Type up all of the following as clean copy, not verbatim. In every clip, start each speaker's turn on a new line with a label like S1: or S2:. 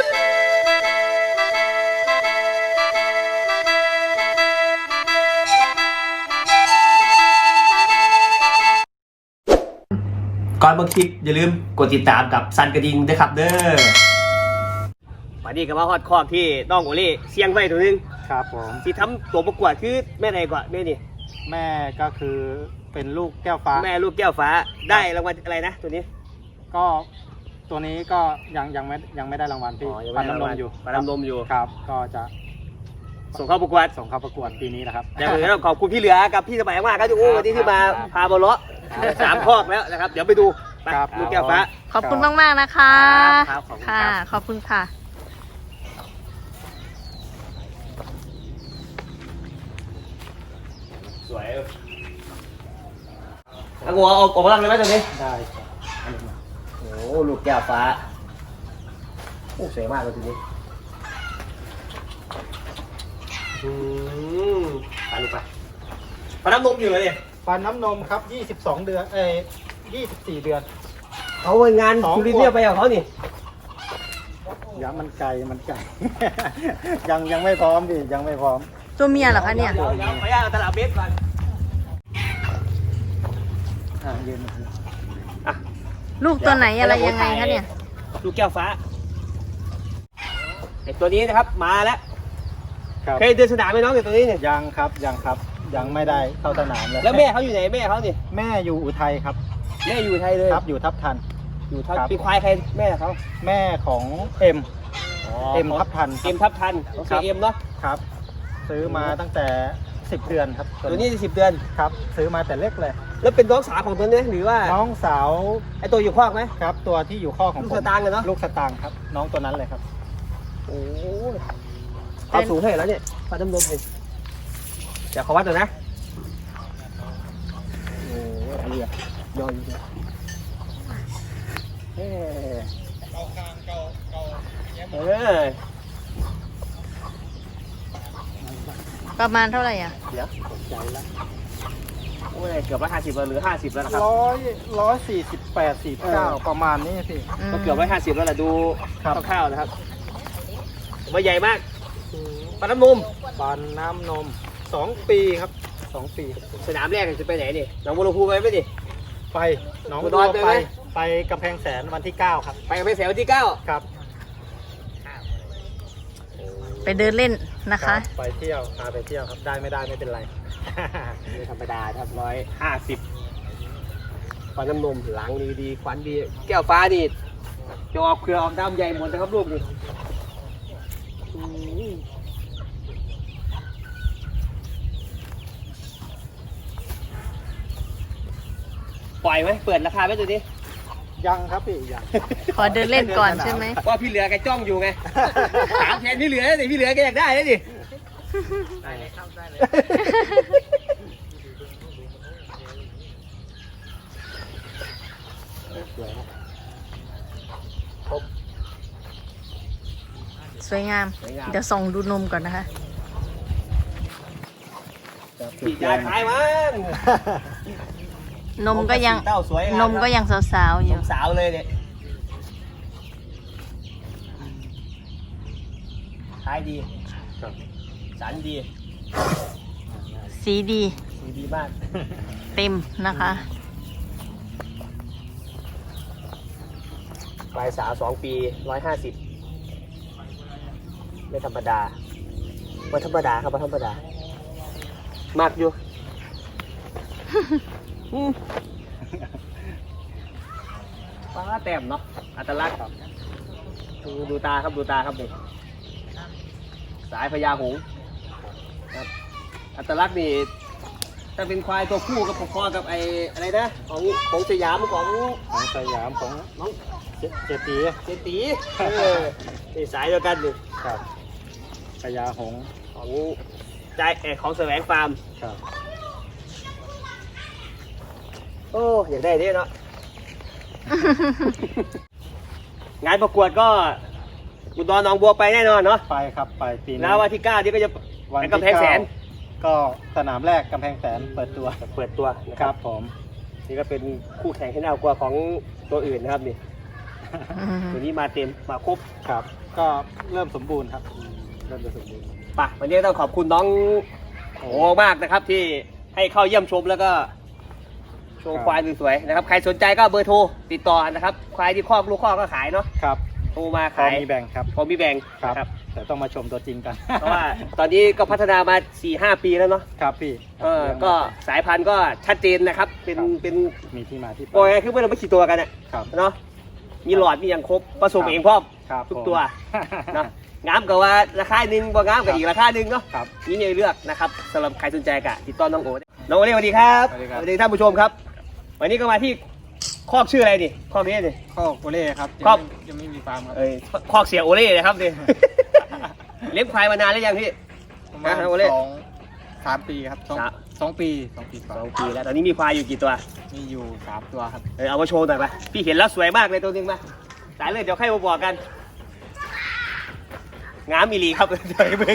S1: ก่อนเบิ่งคลิปอย่าลืมกดติดตามกับซันกระดิ่งด้วยครับเด้อวันนี้ก็มาฮอดคอกที่น้องโอเล่เสียงไว้ตัวนึง
S2: ครับผม
S1: ที่ทำตัวประกวดคือแม่ไหนกว่าแม่นี่
S2: แม่ก็คือเป็นลูกแก้วฟ้า
S1: แม่ลูกแก้วฟ้าได้รางวัลอะไรนะตัวนี้
S2: ก็ตัวนี้ก็ยังไม่ได้รางวัลพี่
S1: ปันน้ำนมอยู่ปันน้ำนมอยู่
S2: ครับก็จะ
S1: ส่งเข้าประกวด
S2: ปีนี้นะครับ
S1: อย่างอื่นต้องขอบคุณพี่เหลือกับพี่สมัยมากครับทุกคนวันนี้ที่มาพาบอลเลาะ3 คอกแล้วนะครับเดี๋ยวไปดูลูกแก้วฟ้า
S3: ขอบคุณมากๆนะคะค่ะขอบคุณค่ะ
S1: สวยเอาหัวเอากำลังเลยไหมตัวนี้
S2: ได้ครับ
S1: โอ้ลูกแก้วฟ้าโอ้สวยมากเลยตัวนี้ไปลูกไปปันน้ำนมอยู่เลยเนี่ย
S2: ฟันน้ำนมครับ22 เดือน24 เดือน
S1: เขางานคุณลิเนียไปกับเขานี่
S2: อย่ามันไกล ยังไม่พร้อมดิยังไม่พร้อม
S3: ตัวเมียเหรอคะเนี่ย
S1: เดี๋ยวขออนุญาตตลาดเบสก่อน
S2: ยืน
S3: ลูกตัวไหนอะไรยังไงคะเนี่ย
S1: ลูกแก้วฟ้าไอตัวนี้นะครับมาแล้วเคยเดินสนามไหมน้องตัวนี้เนี่ย
S2: ยังครับยังไม่ได้เข้าสนามเลย
S1: แล้วแม่เขาอยู่ไหนแม่เขาเนี่ย
S2: แม่อยู่อุทัยครับ
S1: แม่อยู่อุทัยเลย
S2: ครับอยู่ทับทัน
S1: เป็นควายใครแม่เขา
S2: แม่ของเอ็มทับทัน
S1: โอเคเอ็มเนาะ
S2: ครับซื้อมาตั้งแต่10 เดือนครับ
S1: ตัวนี้10 เดือน
S2: ครับซื้อมาแต่เล็กเลย
S1: แล้วเป็นน้องสาวของตัวนี้หรือว่า
S2: น้องสาว
S1: ไอตัวอยู่คอกไหม
S2: ครับตัวที่อยู่คอกของ
S1: ลูกสตางค์เนาะ
S2: ลูกสตางค์ครับน้องตัวนั้นเลยครับ
S1: โอ้เขาสูงเท่าไหร่แล้วเนี่ยฟันน้ำนมเลยเดี๋ยวขอวัดหน่อยนะโอ้ยเรียบย่อยเลย
S3: ประมาณเท่าไหร่อ่ะ
S1: เดี๋ยวสนใจแล้วโอ้ยเกือบ150หรือ50แล้วนะครับ
S2: 148-49ประมาณนี้พี่
S1: ก็เกือบ150แล้วแหละดูคร่าวๆนะครับว่าใหญ่มากปันน้ำนม2 ปีครับ2 ปีสนามแรกจะไปไหนนี่หนองบัวลำพูไปไหมดิ
S2: ไปหนองบัวลำพูไปกำแพงแสนวันที่9ครับ
S1: ไปกำแพงแสนวันที่9
S2: ครับ
S3: ไปเดินเล่นนะคะ
S2: ไปเที่ยวพาไปเที่ยวครับได้ไม่ได้ไม่เป็นไร
S1: ไม่ธรรมดาครับ150ปันน้ำนมหลังดีขวัญดีแก้วฟ้านี่จะออกเครือออกดำใหญ่หมดนะครับลูกนี่ปล่อยไหมเปิดราคาไหมตัวนี้
S2: ยังครับพี่ยัง
S3: ขอเดินเล่นก่อนใช่ไหม
S1: ว่าพี่เหลือแกจ้องอยู่ไงถามแทนพี่เหลือเลยพี่เหลือแกอยากได้เลยดิได้เลยครับได้เลย
S3: สวยงามเดี๋ยวส่องดูนมก่อนนะคะ
S1: พี่ยายขายมัน
S3: นมก็ยังสาวๆอยู่
S1: สาวเลยเนี่ยขายดีสันดี
S3: สีดี
S1: มาก
S3: เต็มนะคะ
S1: ปลายสาว2 ปี150ไม่ธรรมดาครับธรรมดามากอยู่ฟ้าแต้มเนาะอัตลักษณ์ครับดูตาครับนี่สายพญาหงส์ครับอัตลักษณ์นี่ถ้าเป็นควายตัวผู้กับพอกับไอ้อะไรนะของสยามของน้อง
S2: เจตี
S1: นี่สายเดียวกันนี่
S2: ครับพญาหงส์
S1: ของแสวงฟาร์ม
S2: ครับ
S1: โอ้อยากได้ดิเนาะ งานประกวดก็อุดรหนองบัวไปแน่นอนเนาะ
S2: ไปครับไปปีนี้
S1: แล้ววันที่9ที่ก็จะไปกำแพงแสน
S2: ก็สนามแรกกำแพงแสนเปิดตัว
S1: ครับผมนี่ก็เป็นคู่แข่งที่น่ากลัวของตัวอื่นนะครับนี่ตัวนี้มาเต็มมาครบ
S2: ครับก็เริ่มสมบูรณ์ครับเริ่มจะสมบูรณ์
S1: ไปวันนี้ต้องขอบคุณน้องโอ้มากนะครับ ที่ให้เข้าเยี่ยมชมแล้วก็โชว์ควายสวยๆนะครับใครสนใจก็เบอร์โทรติดต่อนะครับควายที่คอกลูกคอกก็ขายเนาะ
S2: ครับ
S1: โทรมา
S2: พอ
S1: ขาย
S2: มีแบ่งครับ
S1: พอมีแบ่ง
S2: ครับ
S1: นะครับ
S2: แต่ต้องมาชมตัวจริงกัน
S1: เพราะว่าตอนนี้ก็พัฒนามา 4-5 ปีแล้วเนาะ
S2: ครับพี่
S1: ก็สายพันธุ์ก็ชัดเจนนะครับ เป็น
S2: มีที่มาที่ไป
S1: โอ้ยคือเมื่อเราไม่ขี่ตัวกันเนี่ย
S2: ครับ
S1: เนาะมีหลอดมีอย่างครบผสม
S2: ครับ
S1: เองพร้อม
S2: ครับ
S1: ทุก
S2: ผม
S1: ตัวเนาะงามกับว่าราคาหนึ่งบ่งามกับอีกราคาหนึ่งเนาะ
S2: ครับ
S1: นี่เนี่ยเลือกนะครับสำหรับใครสนใจกะติดต่อน้องโอน้องโอเล่สวัสดีครับ
S2: สวัสดีครับ
S1: สวัสดีท่านผู้ชมครับ วันนี้ก็มาที่คอกชื่ออะไรดิคอกนี้ดิ
S2: ข้อโกเล่ครับ
S1: ครับ
S2: ยังไม่มีฟาร์มครับ
S1: เอ้ยคอกเสียโอเล่นะครับดิ เลี้ยงควายมานานแล้วยังพี่
S2: ประมาณ
S1: โกเล่
S2: 3 ปีครับสองปีกว่า
S1: 2 ปีแล้วตอนนี้มีควายอยู่กี่ตัว
S2: มีอยู่3 ตัวครับ
S1: เอามาโชว์หน่อยไปพี่เห็นแล้วสวยมากเลยตัวหนึงมาสายเลยเดี๋ยวใครมาบอกกันงามอีหลีครับ เดี๋ยวเบิ่ง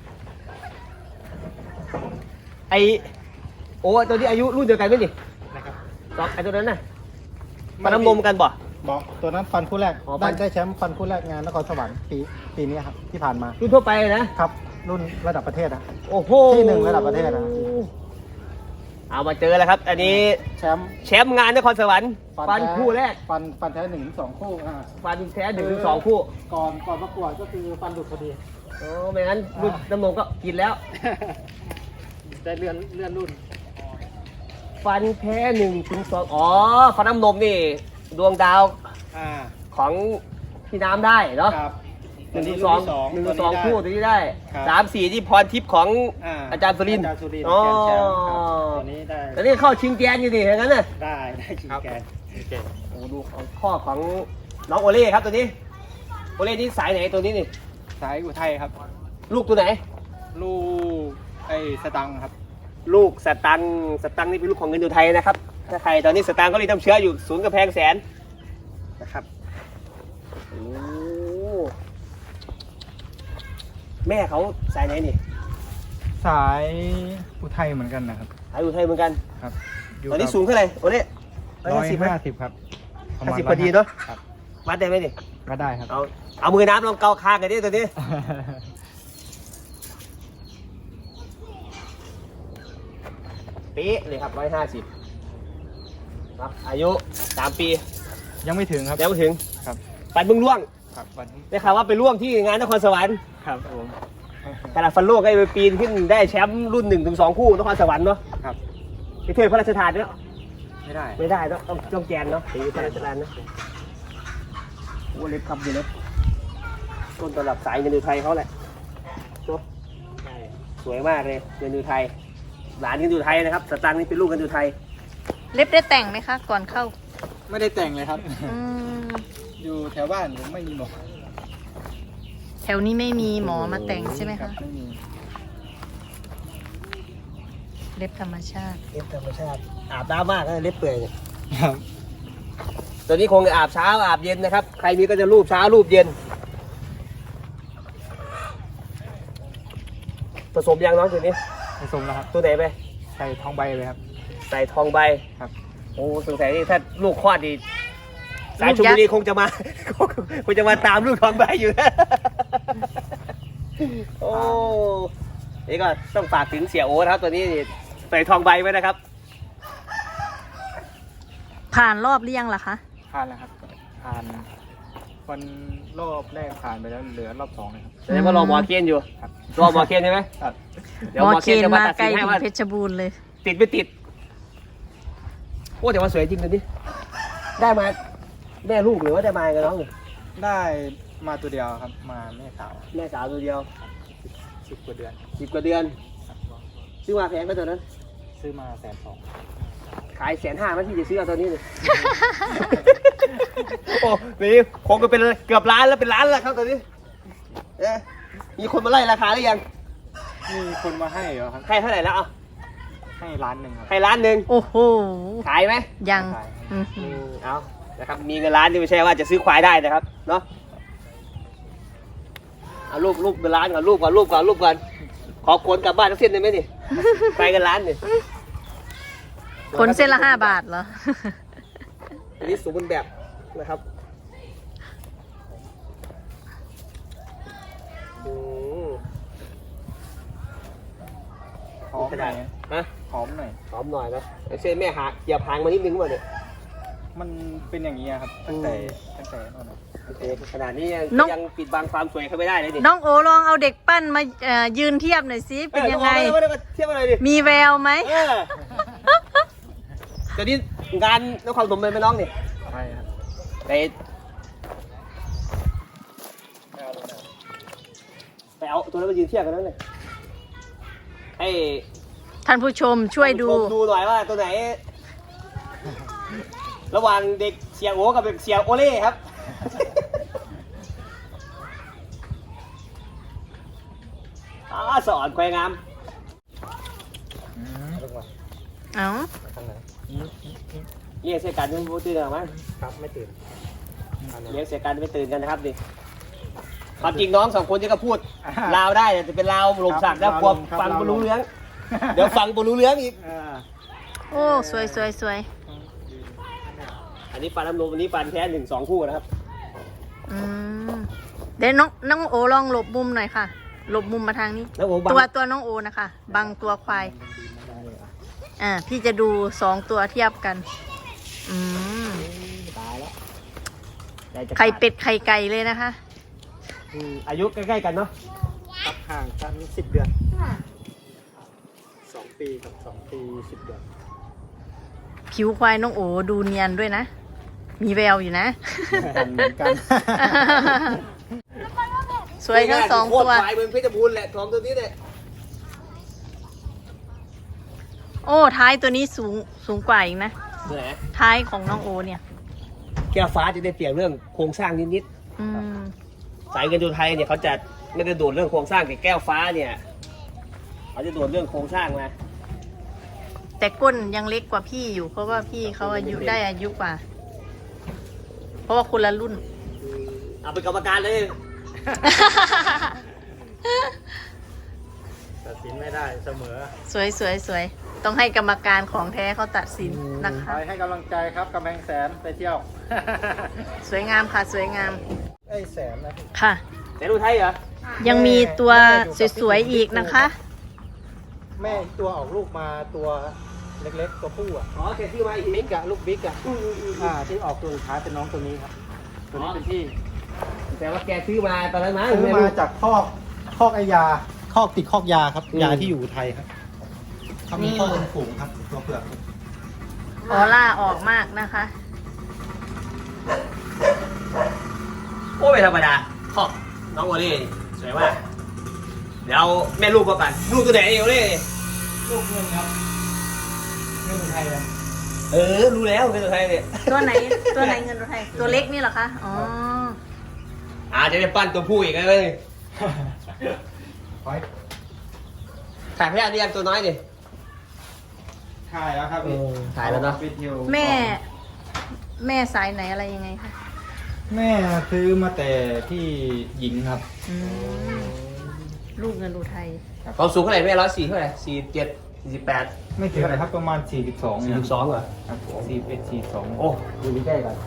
S1: ไอโอ้ตัวนี้อายุรุ่นเดียวกันไหมนี่
S2: นะครับ
S1: สองไอตัวนั้นน่ะมาน้ำนมกันบ่
S2: บอกตัวนั้นฟันคู่แรก
S1: อ๋อฟัน
S2: ได้แชมป์ฟันคู่แรกงานนครสวรรค์ปีนี้ครับที่ผ่านมา
S1: รุ่นทั่วไปนะ
S2: ครับ รุ่นระดับประเทศนะ
S1: โอ้โห
S2: ที่หนึ่งระดับประเทศนะ
S1: เอามาเจอแล้วครับ อันนี้
S2: แชมป์
S1: แชมป์งานนครสวรรค์ฟันคู่แรก
S2: ฟันแท้1-2 คู่
S1: ฟันแท้1-2 คู่
S2: ก่อนประกวดก็คือฟันหลุดพอดี
S1: โอ้ไม่งั้นรุ่นน้ำนมก็กินแล้ว
S2: ได้เลื่อนรุ่น
S1: ฟันแท้1-2อ๋อฟันน้ำนมนี่ดวงดาว
S2: อ่า
S1: ของพี่น้ำได้เนาะ
S2: ครับ
S1: 1-2คู่ตัวนี้ได้
S2: ครับ
S1: 3-4ที่พรทิพย์ของอาจารย์สุรินทร์
S2: อาจารย์สุรินทร์
S1: อ๋อ
S2: แกนแชมป์ครับตัวนี้ได้
S1: แล้วนี่เข้าชิงแกนอยู่ดิอย่างนั้นน่ะ
S2: ได้ชิงแกนโอเค
S1: โอ้ดูของข้อของน้องโอเล่ครับตัวนี้โอเล่นี่สายไหนตัวนี้นี่
S2: สายอุทัยครับ
S1: ลูกตัวไหน
S2: ลูกไอ้สตังค์ครับ
S1: ลูกสตังค์นี่เป็นลูกของเงินอยู่ไทยนะครับถ้าใครตอนนี้สตังค์ก็รีดน้ำเชื้ออยู่ศูนย์กำแพงแสนนะครับโอ้แม่เขาสายไหนนี่
S2: สายอุทัยเหมือนกันนะครับ
S1: สายอยู่ไทยเหมือนกัน
S2: ครับ
S1: ตอนนี้สูงเท่าไหร่โอเล่
S2: 150ครับ
S1: 50พอดีเนาะ
S2: ครับ
S1: วัดได้ไหมนี่
S2: ก็ได้ครับ
S1: เอามือน้ำลองเกาคางกันดิตัวนี้เป๊ะเลยครับ150ครับอายุ3 ปี
S2: ยังไม่ถึงครับ
S1: ยังไม่ถึง
S2: ครับ
S1: ปันมึงล่วง
S2: ครับวันนี้
S1: ได้ข่าวว่าไปล่วงที่งานนครสวรรค์
S2: ครับผม
S1: ขนาดฟันโลกก็ไปปีนขึ้นได้แชมป์รุ่น1-2 คู่นครสวรรค์เนาะ
S2: ครับ
S1: ไปถ้วยพระราชทานเนาะ
S2: ไม่ได้
S1: ไม่ได้ต้องแกนเนาะถือพระราชทานนะโอ้เล็บครับอยู่เล็บต้นตลับสายเงินดูไทยเขาแหละเนาะสวยมากเลยเงินดูไทยหลานเงินดูไทยนะครับสตางค์นี่เป็นลูกเงินดูไทย
S3: เล็บได้แต่งไหมคะ ก่อนเข้า
S2: ไม่ได้แต่งเลยครับ
S3: อืม
S2: อยู่แถวบ้านผมไม่มีหมอ
S3: แถวนี้ไม่มีหมอมาแต่งใช่ไหมคะ
S2: ไม่มี
S3: เล็บธรรมชาติ
S1: เล็บธรรมชาติอาบน้ำมากนะเล็บเปื่อยเนี่ย
S2: ครับ
S1: ตัวนี้คงจะอาบเช้าอาบเย็นนะครับใครมีก็จะรูปเช้ารูปเย็นผสมยังน้องตัวนี้
S2: ผสมแล้วครับ
S1: ตัวไหนไป
S2: ใส่ทองใบเลยครับ
S1: ใส่ทองใบ
S2: ครับ
S1: โอ้สงสัยนี่ถ้าลูกคลอดดีสายชลบุรีคงจะมา คงจะมาตามลูกทองใบอยู่นะ โอ้นี่ก็ต้องฝากถึงเสียโอ๊ตครับตัวนี้นี่ใส่ทองใบไว้นะครับ
S3: ผ่านรอบหรือยังล่ะคะ
S2: ผ่านแล้วครับ ผ่านวันรอบแรกผ่านไปแล้วเหลือรอบ2เลยครับ
S1: แสดงว่ารอหมอเคนอยู่
S2: ครับ
S1: รอหมอเคนใช่ไหม
S2: ครับ
S1: เดี๋ยว
S3: หมอ
S1: หมอ
S3: เคน
S1: จะมา
S3: มา
S1: ตัด
S3: ไกล
S1: สินให้
S3: ถึง
S1: ว่า
S3: เพชรบูรณ์เลย
S1: ติดไม่ติด โอ้แต่ว่าสวยจริงตัวนี้ได้มาแม่ลูกหรือว่าได้มากับน้อง
S2: ได้มาตัวเดียวครับ มาแม่สาว
S1: แม่สาวตัวเดียว
S2: 10 กว่าเดือน
S1: 10 กว่าเดือน
S2: ครับ
S1: ซื้อมาแพงก็ตัวนั้น
S2: ซื้อมา120,000
S1: ขาย150,000มั้ยที่จะซื้อเอาตัวนี้เลย โอ้นี่คงก็เป็นเกือบล้านแล้วเป็นล้านแล้วครับตัวนี้เอ๊ะมีคนมาไล่ราคาหรือยัง
S2: มีคนมาให้เหรอครับ
S1: ให้เท่าไหร่แล้วเอา
S2: ให้1,000,000ครับ
S1: ให้ล้านหนึ่ง
S3: โอ้โห
S1: ขายไหม
S3: ยัง
S2: ขาย
S3: อือหือ
S1: เอานะครับมีเงินล้านที่ไม่ใช่ว่าจะซื้อควายได้นะครับเนาะเอารูปเป็นล้านก่อนรูปก่อนขอขนกลับบ้านทั้งเส้นได้ไหมนี่ ไปกันล้านนี่
S3: คนเส้นละ5 บาทเหรอ
S1: อันนี้สมบูรณ์แบบนะครับขนาดฮะ
S2: หอมหน่อย
S1: หอมหน่อยนะเช่นแม่หาเหยียบหางมานิดนึงก่อนเนี่ย
S2: มันเป็นอย่างนี้ครับตั้งแต่นั่นนะ
S1: โอเคขนาดนี้ยังปิดบังความสวยเขาไม่ได้เลยดิ
S3: น้องโอลองเอาเด็กปั้นมายืนเทียบหน่อยสิเป็นยังไง
S1: เทียบอะไรดิ
S3: มีแววไหม
S1: เดี๋ยวนี้งานนครปฐมเป็นไหมน้องนี่
S2: ใช่ครับ
S1: ไปเอาตัวนั้นมายืนเทียบกันนั่นเลยให้
S3: ท่านผู้ชมช่วยดู
S1: ดูหน่อยว่าตัวไหน ระหว่างเด็กเสียโอกับเด็กเสียโอเล่ครับสอนควายงาม
S3: เอ้า
S1: เลี้ยงเสียกันไม่ตื่นหรอมั้ง
S2: ครับไม่ตื่น
S1: เลี้ยงเสียกันไม่ตื่นกันนะครับดิความจริงน้องสองคนนี้ก็พูดลาวได้แต่เป็นลาวหลงสักแล้วกลัวฟังบรรลุเรื่องเดี๋ยวฟังบรรลุเรื่องอีก
S3: โอ้สวยสวยสวย
S1: อันนี้ฟันน้ำนมอันนี้ฟันแท้1-2 คู่นะครับ
S3: อืมเดี๋ยวน้องโอลองหลบมุมหน่อยค่ะ หลบมุมมาทางนี้
S1: แล้วโอ้บัง
S3: ตัวน้องโอนะคะบังตัวควายพี่จะดู2 ตัวเทียบกัน อืม
S1: ตายแล้ว
S3: ไข่เป็ดไข่ไก่เลยนะคะ
S1: อายุใกล้ๆกันเนาะ
S2: ครับห่างกัน10 เดือน2 ปีกับ2 ปี 10 เดือน
S3: ผิวควายน้องโอดูเนียนด้วยนะ มีแววอยู่นะ
S2: เหมือนกัน
S3: สวยทั้ง2 ตัว
S1: ควายเมืองเพชรบูรณ์แหละทองตัวนี้เนี่ย
S3: โอ้ท้ายตัวนี้สูงกว่าอีกนะ
S1: ตัวไหน
S3: ท้ายของน้องโอเนี่ย
S1: แก้วฟ้าจะได้เปรียบเรื่องโครงสร้างนิด
S3: อืม
S1: ๆสายเงินดูไทยเนี่ยเขาจะไม่ได้โดดเรื่องโครงสร้างแต่แก้วฟ้าเนี่ยเขาจะโดดเรื่องโครงสร้างมา
S3: แต่ก้นยังเล็กกว่าพี่อยู่ เพราะว่าพี่เขาอายุกว่า เพราะว่าคนละรุ่น
S1: เอาเป็นกรรมการเลย
S2: ตัดสินไม่ได้เสมอ
S3: สวยสวยสวยต้องให้กรรมการของแท้เขาตัดสินนะคะ
S2: คอยให้กำลังใจครับกำแพงแสนไปเที่ยว
S3: สวยงามค่ะสวยงาม
S2: แสนนะ
S3: ค่ะ
S1: แต่ดูไทยเหรอ
S3: ยังมีตัวสวยๆอีกนะคะ
S2: แม่ตัวออกลูกมาตัวเล็กๆตัวผู้อ่ะ
S1: อ๋อแกซื้อมาอีก
S2: บิ๊กอะลูกบิ๊กอะที่ออกตัวสุดท้ายเป็นน้องตัวนี้ครับ ตัวนี้เป็นที่
S1: แต่ว่าแกซื้อมาตอนนั้นมั้ง
S2: ซื้อมาจากคอกไอยาคอกติดคอกยาครับยาที่อยู่ไทยครับเขามีข้อเป็นฝูงครับตัวเผือก
S3: ออร่าออกมากนะคะ
S1: โอ้ไม่ธรรมดาขอบน้องโอเล่สวยมากเดี๋ยวเอาแม่ลูกมาปั่นลูกตัวไหนโอเล่
S2: ลูกเงินครับเงินไทยเลย
S1: รู้แล้วเป็นตัวไทยเนี่ย
S3: ตัวไหนเงินตัวไทยตัวเล็กนี่เหรอคะอ๋อ
S1: จะได้ปั้นตัวผู้อีกแล้วเลย
S2: คอย
S1: ถ่ายพยานนี่ยังตัวน้อยดิ
S2: ถ่ายแล้วครับ
S1: ถ่ายแล้วเนาะ
S2: ไปที่ยว
S3: แม่สายไหนอะไรยังไงคะ
S2: แม่ซื้อมาแต่ที่หญิงครับ
S3: อืมลูกเงินดูไทย
S1: ความสูงเท่าไหร่แม่104เท่าไหร่47 48
S2: ไม่ถึงอะไรครับประมาณ42เนี่ย
S1: 42เหรอ
S2: ครับ41 42
S1: โอ้ดูใกล้ๆก่อน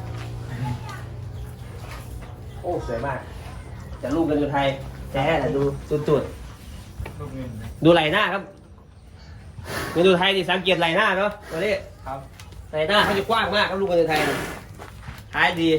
S1: โอ้สวยมากแต่ลูกกันอยู่ไทยแท้แต่ดูจุด
S2: ลูกเงิน
S1: ๆดูไหล่หน้าครับเงินดูไทยนี่สังเกตไหล่หน้าเนาะตัวนี้
S2: ครับ
S1: ไหล่หน้าเขาจะกว้างมากครับลูกกันอยู่ไทยนี่ท้ายดี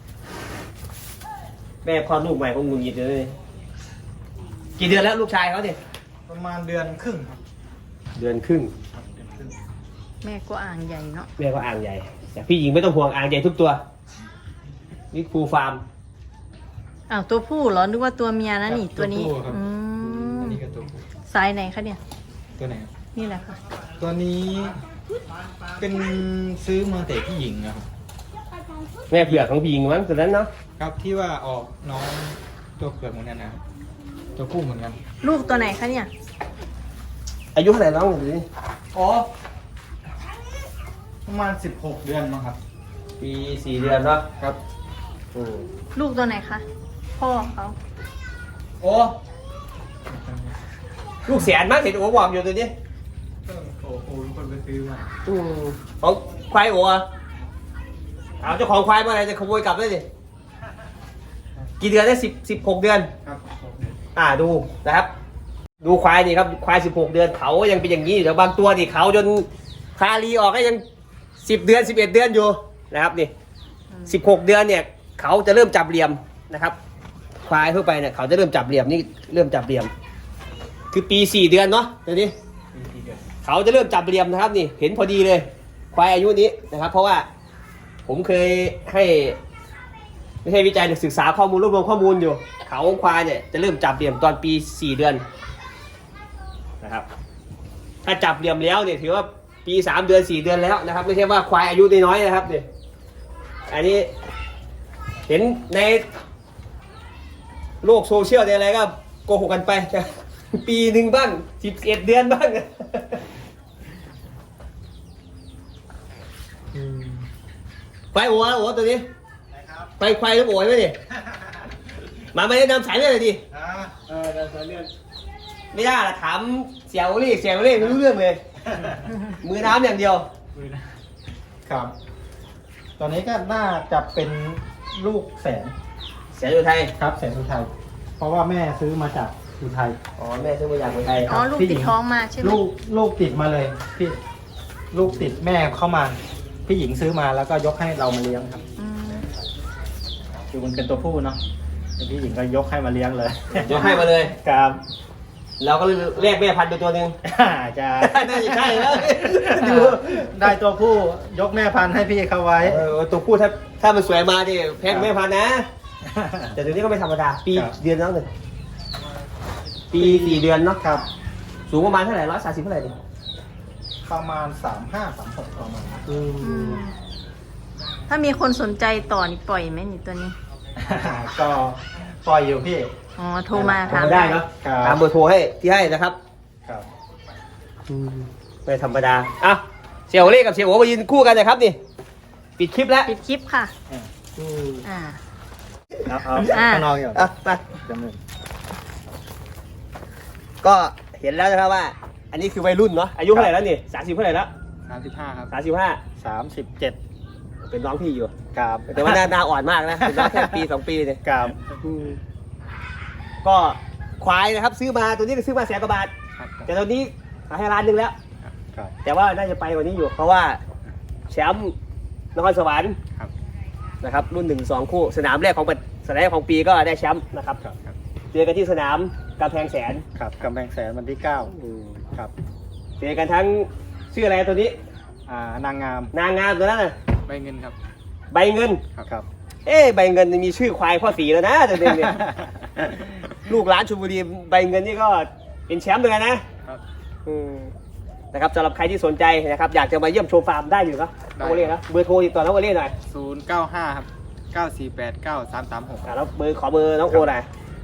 S1: แม่คลอดลูกใหม่คงงุนงิดเลยกี่เดือนแล้วลูกชายเขาเนี่ย
S2: ประมาณเดือนครึ่งครับ
S1: เดือนครึ่ง
S2: ครับเดือนครึ่ง
S3: แม่ก็อ่างใหญ่เนาะ
S1: แม่ก็อ่างใหญ่แต่พี่หญิงไม่ต้องห่วงอ่างใหญ่ทุกตัวนี่ครูฟาร์ม
S3: อ้าวตัวผู้เหรอนึกว่าตัวเมียนะนี่ตัวนี้
S2: ครับ
S3: อื
S2: อัน
S3: ม
S2: นี้ก็ตัวผู้
S3: สายไหนคะเนี่ย
S2: ตัวไหนครับ
S3: นี่แหละค่ะ
S2: ตัวนี้เป็นซื้อมาแต่ที่หญิงนะครับ
S1: แม่เผือกของพี่หญิงมั้งตัวนั้นเนาะ
S2: ครับที่ว่าออกน้องตัวเผือกเหมือนกันนะครับตัวผู้เหมือนกัน
S3: ลูกตัวไหนคะเนี่ย
S1: อายุเท่าไหร่น้องหรือ
S2: อ๋อประมาณ16 เดือนมั้งครับ
S1: ปี4 เดือนเนาะ
S2: ครับ
S3: ลูกตัวไหนคะพ่อเขา
S1: โอ้ลูกแสนมั้งเห็นโอ้วอร์มอยู่ตัวนี้
S2: โอ้โหคนไปซื้อมา
S1: ของควายโอ้อะเอาเจ้าของควายมาอะไรจะขโมยกลับเลยดิกี่เดือนได้16 เดือน
S2: ครับ
S1: ดูนะครับดูควายนี่ครับควาย16 เดือนเขายังเป็นอย่างนี้อยู่แต่บางตัวนี่เขาจนคาลีออกก็ยัง10 เดือน11 เดือนอยู่นะครับนี่16 เดือนเนี่ยเขาจะเริ่มจับเหลี่ยมนะครับควายทั่วไปเนี่ยเขาจะเริ่มจับเหลี่ยมนี่เริ่มจับเหลี่ยมคือปี4 เดือนเนาะเดี๋ยวนี้เขาจะเริ่มจับเหลี่ยมนะครับนี่เห็นพอดีเลยควายอายุนี้นะครับ เพราะว่าผมเคยให้ไม่ใช่วิจัยศึกษาข้อมูลรวบรวมข้อมูลอยู่เขาควายเนี่ยจะเริ่มจับเหลี่ยมตอนปี4 เดือนนะครับถ้าจับเหลี่ยมแล้วเนี่ยถือว่าปี3 เดือน4 เดือนแล้วนะครับไม่ใช่ว่าควายอายุน้อยๆนะครับเนี่ยอันนี้เห็นในโลกโซเชียลในอะไรก็โกหกกันไปปีหนึ่งบ้าง11 เดือนบ้างควายโอ้ตัวนี้ไปควายลูกโอ๋ไหมเนี่ยมาไม่ได้นำสายเลือดเลยดินำสายเลือดไม่ได้ละถามเสียวเล่ไม่รู้เรื่องเลย มือน้ำอย่างเดียว
S2: ครับ ตอนนี้ก็น่าจะเป็นลูกแสน
S1: เสียอยู่ไทย
S2: ครับแสนอุทัยเพราะว่าแม่ซื้อมาจากอุทัย
S1: อ๋อแม่ซื้อมาจากคนไทย
S3: อ๋อลูกติดท้องมาใช่ไหม
S2: ลูกติดมาเลยพี่ลูกติดแม่เข้ามาพี่หญิงซื้อมาแล้วก็ยกให้เรามาเลี้ยงครับ
S3: อืม
S2: คือมันเป็นตัวผู้เนาะพี่หญิงก็ยกให้มาเลี้ยงเลย
S1: ยกให้มาเลย
S2: ครับ
S1: เราก็แลกแม่พันธุ์ไปตัวหนึ่ง
S2: จะ
S1: น่าจะใช่แล้วดู
S2: ได้ตัวผู้ยกแม่พันธุ์ให้พี่เขาไว้
S1: ตัวผู้ถ้ามันสวยมาดิแพงแม่พันธุ์นะ แต่ตัวนี้ก็ไม่ธรรมดาปี
S2: ครับ
S1: เดือนแล้วหนึ่งปี4 เดือนเนาะ
S2: ครับ
S1: สูงประมาณเท่าไหร่130เท่าไหร่ดิ
S2: ประมาณ35-36ประมาณ
S3: อืมถ้ามีคนสนใจต่อนี่ปล่อยไหมนี่ตัวนี้
S2: ก็ปล่อยอยู่พี่
S3: อ๋อโทรมาถาม
S1: ได้เนาะ
S2: ครับ
S1: ตามเบอร์โทรให้ที่ให้นะครับ
S2: ครับ
S1: ไม่ธรรมดาอ่ะเสี่ยวเล่กับเสี่ยวโอมายืนคู่กันนะครับนี่ปิดคลิปแล้ว
S3: ปิดคลิปค่ะ อ่า
S2: เอา
S3: อ่า
S2: ข้างนอกอยู่
S1: อ่ะไป
S2: จำหนึ่ง
S1: ก็เห็นแล้วนะครับว่า อันนี้คือวัยรุ่นเนาะอายุเท่าไหร่แล้วนี่30เท่าไหร่แล้ว
S2: 35ครับ
S1: 35
S2: 37
S1: เป็นน้องพี่อยู่
S2: ครับ
S1: แต่ว่าหน้าอ่อนมากนะเป็นน้องแค่ปี 2 ปีเนี่ย
S2: ครับ
S1: ก็ควายนะครับซื้อมาตัวนี้ก็ซื้อมา100,000 กว่าบาทแต่ตัวนี้ขายให้1,000,000แล้ว
S2: ครับ
S1: แต่ว่าน่าจะไปกว่านี้อยู่ เพราะว่าแชมป์นครสวรรค์
S2: ครับ
S1: นะครับรุ่น1-2 คู่สนามแรกของปีก็ได้แชมป์นะครับ
S2: ครับ
S1: เจอกันที่สนามกำแพงแสน
S2: ครับกำแพงแสนวันที่9ครับ
S1: เจอกันทั้งชื่ออะไรตัวนี้
S2: นางงาม
S1: นางงามตัวนั้นน่ะ
S2: ใบเงินครับ
S1: ใบเงิน
S2: ครับ
S1: ใบเงินมีชื่อควายพ่อสีแล้วนะตัวเองเนี่ย ลูกหลานชลบุรีใบเงินนี่ก็เป็นแชมป์เหมือนกันนะครับ นะครับสำหรับใครที่สนใจนะครับอยากจะมาเยี่ยมโชว์ฟาร์มได้อยู่เนาะน้องโอเล่นะเบอร์โทรติดต่อน้องโอเล่หน่อย
S2: 095ครับ9489336
S1: แล้วขอเบอร์น้องโอหน่อย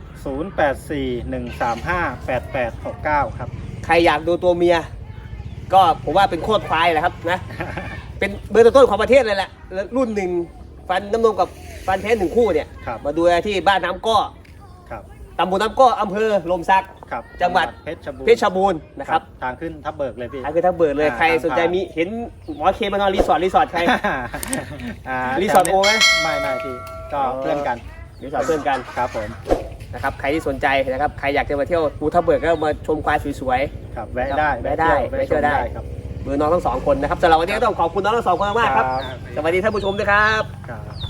S2: 0841358869ครับ
S1: ใครอยากดูตัวเมีย ก็ผมว่าเป็นโคตรควายแหละครับนะ เป็นเบอร์ต้นๆของประเทศเลยแหละแล้วรุ่นหนึ่งฟันน้ำนมกับฟันแท้1 คู่เนี่ย
S2: ครับ
S1: มาดูที่บ้านน้ำก้อ
S2: ครับ
S1: ตำบลน้ำก้ออำเภอลมศักดิ์
S2: ครับ
S1: จังหวัด
S2: เพชรบูรณ์
S1: นะครับ
S2: ทางขึ้นทับเบิกเลยพี่
S1: อันคือทั้งเบิร์ดเลย
S2: อ่า
S1: ใครสนใจมีเห็นหมอเคมานอนรีสอร์ทใคร รีสอร์ทโอไหม
S2: ไม่พี่ก็เพื่อนกัน
S1: รีสอร์ทเพื่อนกัน
S2: ครับผม
S1: นะครับใครที่สนใจนะครับใครอยากจะมาเที่ยวภูทับเบิกก็มาชมควายสวย
S2: ครับแวะได้
S1: แวะได้
S2: แวะ
S1: แวะเที่ยวได้
S2: ครับ
S1: ๆเบอร์น้องทั้ง 2 คนนะครับสำหรับวันนี้ก็ต้องขอบคุณน้องทั้ง 2 คนมากๆครับ
S2: ครับ
S1: สวัสดีท่านผู้ชมด้วยครับ
S2: ครับ